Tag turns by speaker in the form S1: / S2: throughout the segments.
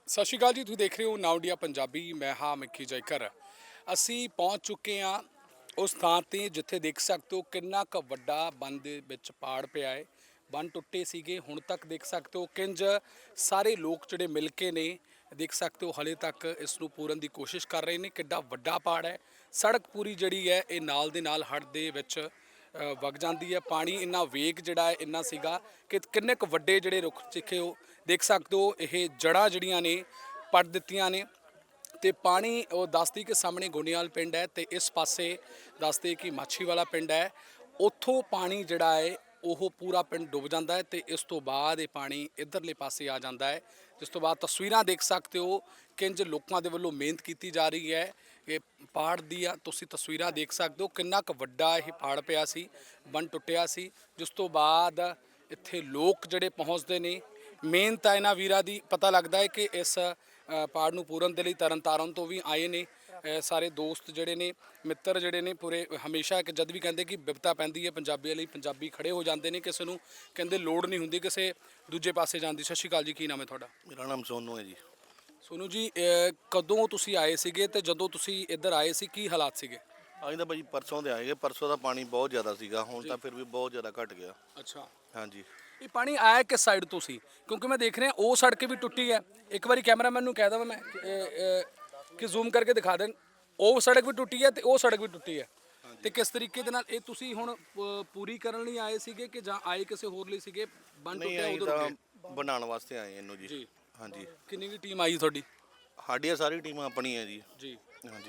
S1: ਸਤਿ ਸ਼੍ਰੀ ਅਕਾਲ ਜੀ, ਤੁਸੀਂ ਦੇਖ ਰਹੇ ਹੋ ਨਾਉ ਇੰਡੀਆ ਪੰਜਾਬੀ। ਮੈਂ ਹਾਂ ਮਿੱਕੀ ਜੈਕਰ। ਅਸੀਂ ਪਹੁੰਚ ਚੁੱਕੇ ਹਾਂ ਉਸ ਥਾਂ 'ਤੇ ਜਿੱਥੇ ਦੇਖ ਸਕਦੇ ਹੋ ਕਿੰਨਾ ਕੁ ਵੱਡਾ ਬੰਨ ਦੇ ਵਿੱਚ ਪਾੜ ਪਿਆ ਹੈ। ਬੰਨ ਟੁੱਟੇ ਸੀਗੇ, ਹੁਣ ਤੱਕ ਦੇਖ ਸਕਦੇ ਹੋ ਕਿੰਜ ਸਾਰੇ ਲੋਕ ਜਿਹੜੇ ਮਿਲ ਕੇ ਨੇ, ਦੇਖ ਸਕਦੇ ਹੋ ਹਲੇ ਤੱਕ ਇਸ ਨੂੰ ਪੂਰਨ ਦੀ ਕੋਸ਼ਿਸ਼ ਕਰ ਰਹੇ ਨੇ। ਕਿੱਡਾ ਵੱਡਾ ਪਾੜ ਹੈ, ਸੜਕ ਪੂਰੀ ਜਿਹੜੀ ਹੈ ਇਹ ਨਾਲ ਦੇ ਨਾਲ ਹੜ੍ਹ ਦੇ ਵਿੱਚ ਵਗ ਜਾਂਦੀ ਹੈ। ਪਾਣੀ ਇੰਨਾ ਵੇਗ ਜਿਹੜਾ ਹੈ ਇੰਨਾ ਸੀਗਾ ਕਿ ਕਿੰਨੇ ਕੁ ਵੱਡੇ ਜਿਹੜੇ ਰੁੱਖ ਚਿੱਖੇ ਉਹ ਦੇਖ ਸਕਦੇ ਹੋ, ਇਹ ਜੜ੍ਹਾਂ ਜਿਹੜੀਆਂ ਨੇ ਪੱਟ ਦਿੱਤੀਆਂ ਨੇ। ਤੇ ਪਾਣੀ ਉਹ ਦੱਸਦੀ ਕਿ ਸਾਹਮਣੇ ਗੋਨੇਵਾਲ ਪਿੰਡ ਹੈ ਤੇ ਇਸ ਪਾਸੇ ਦੱਸਦੇ ਕਿ ਮਾਛੀਵਾਲਾ ਪਿੰਡ ਹੈ। ਉੱਥੋਂ ਪਾਣੀ ਜਿਹੜਾ ਹੈ ਉਹ ਪੂਰਾ ਪਿੰਡ ਡੁੱਬ ਜਾਂਦਾ ਹੈ ਤੇ ਇਸ ਤੋਂ ਬਾਅਦ ਇਹ ਪਾਣੀ ਇੱਧਰਲੇ ਪਾਸੇ ਆ ਜਾਂਦਾ ਹੈ। ਜਿਸ ਤੋਂ ਬਾਅਦ ਤਸਵੀਰਾਂ ਦੇਖ ਸਕਦੇ ਹੋ ਕਿੰਜ ਲੋਕਾਂ ਦੇ ਵੱਲੋਂ ਮਿਹਨਤ ਕੀਤੀ ਜਾ ਰਹੀ ਹੈ। ਇਹ ਪਾੜ ਦੀਆਂ ਤੁਸੀਂ ਤਸਵੀਰਾਂ ਦੇਖ ਸਕਦੇ ਹੋ ਕਿੰਨਾ ਕੁ ਵੱਡਾ ਇਹ ਪਾੜ ਪਿਆ ਸੀ, ਬੰਨ ਟੁੱਟਿਆ ਸੀ। ਜਿਸ ਤੋਂ ਬਾਅਦ ਇੱਥੇ ਲੋਕ ਜਿਹੜੇ ਪਹੁੰਚਦੇ ਨੇ, ਮਿਹਨਤ ਹੈ ਇਹਨਾਂ ਵੀਰਾਂ ਦੀ। ਪਤਾ ਲੱਗਦਾ ਹੈ ਕਿ ਇਸ ਪਾੜ ਨੂੰ ਪੂਰਨ ਦੇ ਲਈ ਤਰਨਤਾਰਨ ਤੋਂ ਵੀ ਆਏ ਨੇ ਸਾਰੇ ਦੋਸਤ ਜਿਹੜੇ ਨੇ, ਮਿੱਤਰ ਜਿਹੜੇ ਨੇ ਪੂਰੇ। ਹਮੇਸ਼ਾ ਇੱਕ ਜਦ ਵੀ ਕਹਿੰਦੇ ਕਿ ਬਿਪਤਾ ਪੈਂਦੀ ਹੈ ਪੰਜਾਬੀਆਂ ਲਈ, ਪੰਜਾਬੀ ਖੜੇ ਹੋ ਜਾਂਦੇ ਨੇ। ਕਿਸੇ ਨੂੰ ਕਹਿੰਦੇ ਲੋੜ ਨਹੀਂ ਹੁੰਦੀ ਕਿਸੇ ਦੂਜੇ ਪਾਸੇ ਜਾਣ ਦੀ। ਸਤਿ ਸ਼੍ਰੀ ਅਕਾਲ ਜੀ, ਕੀ ਨਾਮ ਹੈ ਤੁਹਾਡਾ?
S2: ਮੇਰਾ ਨਾਮ ਸੋਨੂ ਹੈ ਜੀ।
S1: ਸੋਨੂ ਜੀ, ਕਦੋਂ ਤੁਸੀਂ ਆਏ ਸੀਗੇ ਤੇ ਜਦੋਂ ਤੁਸੀਂ ਇੱਧਰ ਆਏ ਸੀ ਕੀ ਹਾਲਾਤ ਸੀਗੇ?
S2: ਅਸੀਂ ਤਾਂ ਭਾਜੀ ਪਰਸੋਂ ਦੇ ਆਏਗੇ। ਪਰਸੋਂ ਦਾ ਪਾਣੀ ਬਹੁਤ ਜ਼ਿਆਦਾ ਸੀਗਾ, ਹੁਣ ਤਾਂ ਫਿਰ ਵੀ ਬਹੁਤ ਜ਼ਿਆਦਾ ਘਟ ਗਿਆ।
S1: ਅੱਛਾ,
S2: ਹਾਂਜੀ।
S1: ਇਹ ਪਾਣੀ ਆਇਆ ਕਿਸ ਸਾਈਡ ਤੋਂ ਸੀ? ਕਿਉਂਕਿ ਮੈਂ ਦੇਖ ਰਿਹਾ ਉਹ ਸੜਕ ਵੀ ਟੁੱਟੀ ਹੈ। ਇੱਕ ਵਾਰੀ ਕੈਮਰਾਮੈਨ ਨੂੰ ਕਹਿ ਦਵਾਂ ਮੈਂ ਕਿ ਜ਼ੂਮ ਕਰਕੇ ਦਿਖਾ ਦੇਣ। ਉਹ ਸੜਕ ਵੀ ਟੁੱਟੀ ਹੈ ਤੇ ਉਹ ਸੜਕ ਵੀ ਟੁੱਟੀ ਹੈ। ਤੇ ਕਿਸ ਤਰੀਕੇ ਦੇ ਨਾਲ ਇਹ ਤੁਸੀਂ ਹੁਣ ਪੂਰੀ ਕਰਨ ਲਈ ਆਏ ਸੀਗੇ ਕਿ ਜਾਂ ਆਏ ਕਿਸੇ ਹੋਰ ਲਈ ਸੀਗੇ? ਬੰਨ
S2: ਨਹੀਂ,
S1: ਟੁੱਟਿਆ
S2: ਅਸੀਂ
S1: ਉਧਰ
S2: ਤਾਂ ਬਣਾਉਣ ਵਾਸਤੇ ਆਏ ਇਹਨੂੰ ਜੀ।
S1: ਜੀ।
S2: ਹਾਂਜੀ।
S1: ਕਿੰਨੀ ਵੀ ਟੀਮ ਆਈ ਤੁਹਾਡੀ?
S2: ਸਾਡੀਆਂ ਸਾਰੀ ਟੀਮਾਂ ਆਪਣੀ ਹੈ ਜੀ।
S1: ਜੀ।
S2: ਹਾਂਜੀ।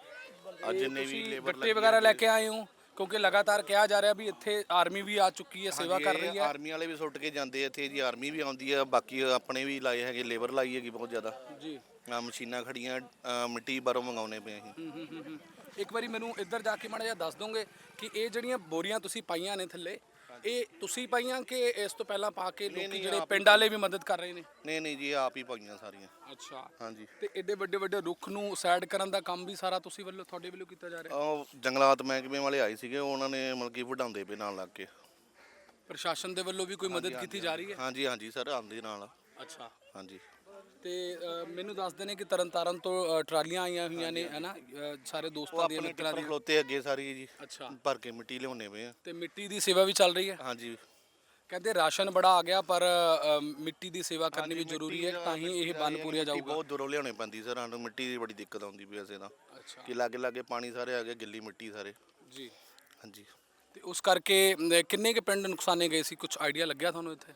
S2: ਅੱਜ ਜਿੰਨੇ ਵੀ ਲੇਬਰ
S1: ਗੱਟੇ ਵਗੈਰਾ ਲੈ ਕੇ ਆਏ ਹੋ? ਕਿਉਂਕਿ ਲਗਾਤਾਰ ਕਿਹਾ ਜਾ ਰਿਹਾ ਵੀ ਇੱਥੇ ਆਰਮੀ ਵੀ ਆ ਚੁੱਕੀ ਹੈ, ਸੇਵਾ ਕਰ ਰਹੀ ਹੈ।
S2: ਆਰਮੀ ਵਾਲੇ ਵੀ ਸੁੱਟ ਕੇ ਜਾਂਦੇ ਇੱਥੇ ਜੀ। ਆਰਮੀ ਵੀ ਆਉਂਦੀ ਆ, ਬਾਕੀ ਆਪਣੇ ਵੀ ਲਾਏ ਹੈਗੇ, ਲੇਬਰ ਲਾਈ ਹੈਗੀ ਬਹੁਤ ਜ਼ਿਆਦਾ
S1: ਜੀ।
S2: ਮਸ਼ੀਨਾਂ ਖੜੀਆਂ, ਮਿੱਟੀ ਬਾਹਰੋਂ ਮੰਗਾਉਣੇ ਪਏ ਅਸੀਂ।
S1: ਇੱਕ ਵਾਰੀ ਮੈਨੂੰ ਇੱਧਰ ਜਾ ਕੇ ਮਾੜਾ ਜਿਹਾ ਦੱਸ ਦੋਗੇ ਕਿ ਇਹ ਜਿਹੜੀਆਂ ਬੋਰੀਆਂ ਤੁਸੀਂ ਪਾਈਆਂ ਨੇ ਥੱਲੇ, ਇਹ ਤੁਸੀਂ ਪਾਈਆਂ ਕਿ ਇਸ ਤੋਂ ਪਹਿਲਾਂ ਪਾ ਕੇ ਲੋਕੀ ਜਿਹੜੇ ਪਿੰਡ ਵਾਲੇ ਵੀ ਮਦਦ ਕਰ ਰਹੇ ਨੇ?
S2: ਨਹੀਂ ਜੀ, ਆਪ ਹੀ ਪਾਈਆਂ ਸਾਰੀਆਂ।
S1: ਅੱਛਾ।
S2: ਹਾਂਜੀ।
S1: ਤੇ ਐਡੇ ਵੱਡੇ ਵੱਡੇ ਰੁੱਖ ਨੂੰ ਸਾਈਡ ਕਰਨ ਦਾ ਕੰਮ ਵੀ ਸਾਰਾ ਤੁਸੀਂ ਵੱਲੋਂ, ਤੁਹਾਡੇ ਵੱਲੋਂ ਕੀਤਾ ਜਾ ਰਿਹਾ?
S2: ਉਹ ਜੰਗਲਾਤ ਮਹਿਕਮੇ ਵਾਲੇ ਆਏ ਸੀਗੇ, ਉਹਨਾਂ ਨੇ ਮਤਲਬ ਕਿ ਵਢਾਉਂਦੇ ਪਏ ਨਾਲ ਲੱਗ ਕੇ।
S1: ਪ੍ਰਸ਼ਾਸਨ ਦੇ ਵੱਲੋਂ ਵੀ ਕੋਈ ਮਦਦ ਕੀਤੀ ਜਾ ਰਹੀ ਹੈ?
S2: ਹਾਂਜੀ ਸਰ, ਆਉਂਦੇ ਨਾਲ।
S1: ਅੱਛਾ।
S2: ਹਾਂਜੀ।
S1: ਤੇ ਮੈਨੂੰ ਦੱਸਦੇ ਨੇ ਕਿ ਤਰਨਤਾਰਨ ਤੋਂ ਟਰਾਲੀਆਂ ਆਈਆਂ ਹੋਈਆਂ ਨੇ, ਹੈ ਨਾ? ਸਾਰੇ ਦੋਸਤਾਂ ਦੀਆਂ, ਮਿੱਤਰਾਂ ਦੀਆਂ
S2: ਖਲੋਤੇ ਅੱਗੇ ਸਾਰੀ ਜੀ।
S1: ਅੱਛਾ।
S2: ਭਰ ਕੇ ਮਿੱਟੀ ਲਿਆਉਣੇ ਪਏ ਆ।
S1: ਤੇ ਮਿੱਟੀ ਦੀ ਸੇਵਾ ਵੀ ਚੱਲ ਰਹੀ ਹੈ?
S2: ਹਾਂਜੀ।
S1: ਕਹਿੰਦੇ ਰਾਸ਼ਨ ਬੜਾ ਆ ਗਿਆ ਪਰ ਮਿੱਟੀ ਦੀ ਸੇਵਾ ਕਰਨੀ ਵੀ ਜ਼ਰੂਰੀ ਹੈ, ਤਾਂ ਹੀ ਇਹ ਬੰਨ ਪੂਰਿਆ ਜਾਊਗਾ।
S2: ਬਹੁਤ ਦੂਰੋਂ ਲਿਆਉਣੀ ਪੈਂਦੀ ਸਰ, ਸਾਨੂੰ ਮਿੱਟੀ ਦੀ ਬੜੀ ਦਿੱਕਤ ਆਉਂਦੀ ਪਈ ਵੈਸੇ ਤਾਂ।
S1: ਅੱਛਾ।
S2: ਕਿ ਲਾਗੇ ਪਾਣੀ ਸਾਰੇ ਆ ਗਏ, ਗਿੱਲੀ ਮਿੱਟੀ ਸਾਰੇ।
S1: ਜੀ।
S2: ਹਾਂਜੀ।
S1: ਤੇ ਉਸ ਕਰਕੇ ਕਿੰਨੇ ਕੁ ਪਿੰਡ ਨੁਕਸਾਨੇ ਗਏ ਸੀ? ਕੁਝ ਆਈਡੀਆ ਲੱਗਿਆ ਤੁਹਾਨੂੰ ਇੱਥੇ?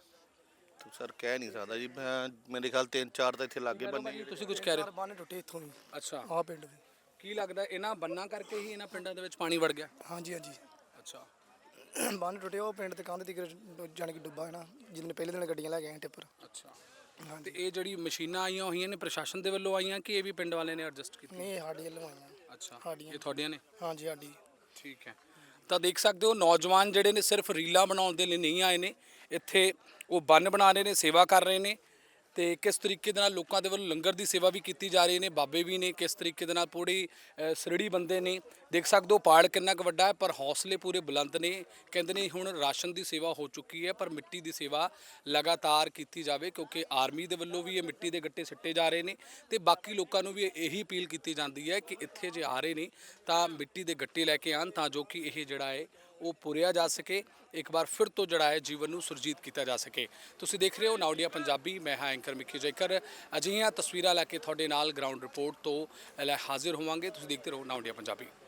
S2: ਸਰ ਕਹਿ ਨਹੀਂ ਸਕਦਾ ਜੀ, ਮੈਂ ਮੇਰੇ ਖਿਆਲ 3-4 ਤਾਂ ਇੱਥੇ ਲਾਗੇ ਬੰਨੇ।
S1: ਤੁਸੀਂ ਕੁਝ ਕਹਿ ਰਹੇ ਹੋ?
S3: ਬੰਨ ਟੁੱਟੇ ਇੱਥੋਂ ਵੀ।
S1: ਅੱਛਾ।
S3: ਆਹ ਪਿੰਡ ਵੀ।
S1: ਕੀ ਲੱਗਦਾ ਇਹਨਾਂ ਬੰਨਾਂ ਕਰਕੇ ਹੀ ਇਹਨਾਂ ਪਿੰਡਾਂ ਦੇ ਵਿੱਚ ਪਾਣੀ ਵੜ ਗਿਆ?
S3: ਹਾਂਜੀ।
S1: ਅੱਛਾ।
S3: ਬੰਨ ਟੁੱਟੇ, ਉਹ ਪਿੰਡ ਤੇ ਕੰਧ ਦੀ ਜਾਣ ਕੇ ਡੁੱਬਾ ਹੈ ਨਾ, ਜਿਹਨੇ ਪਹਿਲੇ ਦਿਨ ਗੱਡੀਆਂ ਲੈ ਕੇ ਆਏ ਟਿੱਪਰ।
S1: ਅੱਛਾ। ਤੇ ਇਹ ਜਿਹੜੀ ਮਸ਼ੀਨਾਂ ਆਈਆਂ ਹੋਈਆਂ ਨੇ ਪ੍ਰਸ਼ਾਸਨ ਦੇ ਵੱਲੋਂ ਆਈਆਂ ਕਿ ਇਹ ਵੀ ਪਿੰਡ ਵਾਲਿਆਂ ਨੇ ਐਡਜਸਟ ਕੀਤੀ?
S3: ਨਹੀਂ, ਸਾਡੀ ਵੱਲੋਂ ਆਈਆਂ।
S1: ਅੱਛਾ,
S3: ਸਾਡੀਆਂ।
S1: ਇਹ ਤੁਹਾਡੀਆਂ ਨੇ?
S3: ਹਾਂਜੀ, ਸਾਡੀ।
S1: ਠੀਕ ਹੈ। ਤਾਂ ਦੇਖ ਸਕਦੇ ਹੋ ਨੌਜਵਾਨ ਜਿਹੜੇ ਨੇ ਸਿਰਫ ਰੀਲਾਂ ਬਣਾਉਣ ਦੇ ਲਈ ਨਹੀਂ ਆਏ ਨੇ, ਇੱਥੇ ਉਹ ਬੰਨ ਬਣਾ ਰਹੇ ਨੇ, ਸੇਵਾ ਕਰ ਰਹੇ ਨੇ। ਤੇ ਕਿਸ ਤਰੀਕੇ ਦੇ ਨਾਲ ਲੋਕਾਂ ਦੇ ਵੱਲੋਂ ਲੰਗਰ ਦੀ ਸੇਵਾ ਵੀ ਕੀਤੀ ਜਾ ਰਹੀ ਨੇ, ਬਾਬੇ ਵੀ ਨੇ। ਕਿਸ ਤਰੀਕੇ ਦੇ ਨਾਲ ਪੂਰੀ ਸਰੜੀ ਬੰਦੇ ਨੇ, ਦੇਖ ਸਕਦੇ ਹੋ ਪਾੜ ਕਿੰਨਾ ਕੁ ਵੱਡਾ ਹੈ ਪਰ ਹੌਸਲੇ ਪੂਰੇ ਬੁਲੰਦ ਨੇ। ਕਹਿੰਦੇ ਨੇ ਹੁਣ ਰਾਸ਼ਨ ਦੀ ਸੇਵਾ ਹੋ ਚੁੱਕੀ ਹੈ ਪਰ ਮਿੱਟੀ ਦੀ ਸੇਵਾ ਲਗਾਤਾਰ ਕੀਤੀ ਜਾਵੇ, ਕਿਉਂਕਿ ਆਰਮੀ ਦੇ ਵੱਲੋਂ ਵੀ ਇਹ ਮਿੱਟੀ ਦੇ ਗੱਟੇ ਸਿੱਟੇ ਜਾ ਰਹੇ ਨੇ। ਤੇ ਬਾਕੀ ਲੋਕਾਂ ਨੂੰ ਵੀ ਇਹੀ ਅਪੀਲ ਕੀਤੀ ਜਾਂਦੀ ਹੈ ਕਿ ਇੱਥੇ ਜੇ ਆ ਰਹੇ ਨੇ ਤਾਂ ਮਿੱਟੀ ਦੇ ਗੱਟੇ ਲੈ ਕੇ ਆਉਣ, ਤਾਂ ਜੋ ਕਿ ਇਹ ਜਿਹੜਾ ਹੈ ਉਹ ਪੁਰਿਆ ਜਾ ਸਕੇ, ਇੱਕ ਵਾਰ ਫਿਰ ਤੋਂ ਜਿਹੜਾ ਹੈ ਜੀਵਨ ਨੂੰ ਸੁਰਜੀਤ ਕੀਤਾ ਜਾ ਸਕੇ। ਤੁਸੀਂ ਦੇਖ ਰਹੇ ਹੋ ਨਾਉ ਇੰਡੀਆ ਪੰਜਾਬੀ, ਮੈਂ ਹਾਂ ਐਂਕਰ ਮਿੱਕੀ ਜੈਕਰ। ਅਜਿਹੀਆਂ ਤਸਵੀਰਾਂ ਲੈ ਕੇ ਤੁਹਾਡੇ ਨਾਲ ਗਰਾਊਂਡ ਰਿਪੋਰਟ ਤੋਂ ਹਾਜ਼ਰ ਹੋਵਾਂਗੇ। ਤੁਸੀਂ ਦੇਖਦੇ ਰਹੋ ਨਾਉ ਇੰਡੀਆ ਪੰਜਾਬੀ।